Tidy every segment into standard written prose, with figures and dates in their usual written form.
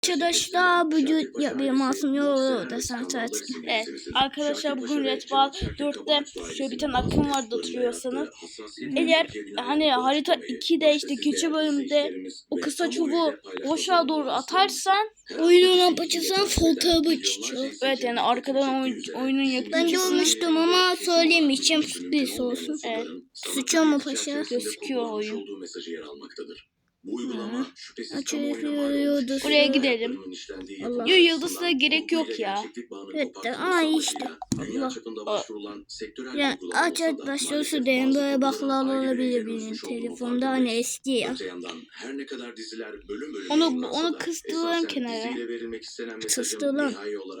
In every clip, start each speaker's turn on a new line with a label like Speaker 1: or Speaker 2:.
Speaker 1: Arkadaşlar bugün bir masum yolu desem tatil.
Speaker 2: Evet arkadaşlar bugün Red Ball 4'te şöyle bir tane akım vardı oturuyorsanız. Eğer hani harita 2'de işte keçi bölümde o kısa çubuğu boşluğa doğru atarsan
Speaker 1: Oyunun apaçısan sol tarafa çıkıyor.
Speaker 2: evet yani arkadan oyunun
Speaker 1: Ben
Speaker 2: yapımcısının
Speaker 1: görmüştüm ama söylemeyeceğim, sürpriz olsun.
Speaker 2: evet,
Speaker 1: Sıçıyor mu paşa?
Speaker 2: gözüküyor oyun.
Speaker 3: Bu uygulama şüphesiz
Speaker 1: Açılıyordu.
Speaker 2: Oraya gidelim.
Speaker 1: Allah.
Speaker 2: Yo, yıldızlara gerek yok ya.
Speaker 1: Evet de işte. Allah. Yani aç arkadaşlar şu derin böyle baklalar olabilir benim telefonda hani eski ya.
Speaker 2: Onu kıstıralım kenara.
Speaker 1: Kıstıralım.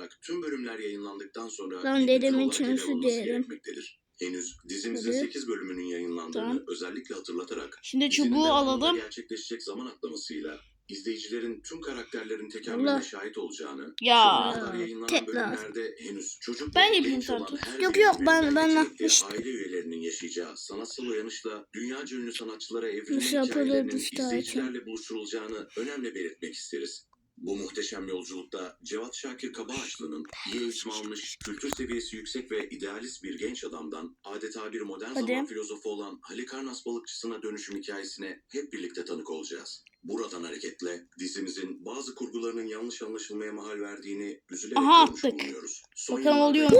Speaker 1: Lan dedemin çözü diyelim.
Speaker 3: Henüz dizimizin 8 bölümünün yayınlandığını
Speaker 2: Tamam.
Speaker 3: özellikle hatırlatarak
Speaker 2: Şimdi
Speaker 3: dizinin
Speaker 2: çubuğu
Speaker 3: devamında
Speaker 2: alalım.
Speaker 3: gerçekleşecek zaman atlamasıyla izleyicilerin tüm karakterlerin tekamülüne şahit olacağını,
Speaker 2: Ya.
Speaker 3: şimdiye kadar yayınlanan
Speaker 1: Tekrar.
Speaker 3: bölümlerde henüz çocuk
Speaker 2: Ben
Speaker 3: ve
Speaker 2: yapayım
Speaker 3: genç olan
Speaker 2: zaten.
Speaker 3: her
Speaker 1: Yok,
Speaker 3: birinin
Speaker 1: ben
Speaker 3: belki de
Speaker 1: yapmıştım.
Speaker 3: aile üyelerinin yaşayacağı sanatsal uyanışla dünyaca ünlü sanatçılara evrilme
Speaker 1: Nasıl yapılır
Speaker 3: hikayelerinin
Speaker 1: bu zaten?
Speaker 3: izleyicilerle buluşturulacağını önemli belirtmek isteriz. Bu muhteşem yolculukta Cevat Şakir Kabaağaçlı'nın iyi eğitim almış, kültür seviyesi yüksek ve idealist bir genç adamdan adeta bir modern zaman filozofu olan Halikarnas balıkçısına dönüşüm hikayesine hep birlikte tanık olacağız. Buradan hareketle dizimizin bazı kurgularının yanlış anlaşılmaya mahal verdiğini üzülerek görmüş
Speaker 2: attık.
Speaker 3: bulunuyoruz.
Speaker 2: Bakalım oluyor mu?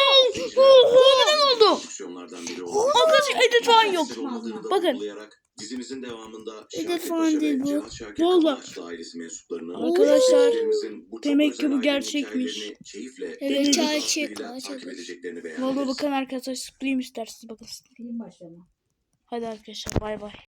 Speaker 3: oldu?
Speaker 2: Arkadaşlar edit falan yok. Bakın.
Speaker 3: Dizimizin devamında
Speaker 1: Edit falan değil bu.
Speaker 2: Vallahi.
Speaker 3: ailesi mensuplarının
Speaker 2: Arkadaşlar,
Speaker 3: bu çok
Speaker 2: demek ki
Speaker 3: özel
Speaker 2: bu
Speaker 3: ailenin
Speaker 2: gerçekmiş.
Speaker 3: hikayelerini keyifle
Speaker 1: Evet,
Speaker 3: ve
Speaker 1: gerçek,
Speaker 3: takip
Speaker 1: gerçek.
Speaker 3: edeceklerini beyan
Speaker 2: Valla
Speaker 3: ederiz.
Speaker 2: bakın arkadaşlar, zıplayayım isterseniz bakın.
Speaker 4: Film başlama.
Speaker 2: Hadi arkadaşlar, bay bay.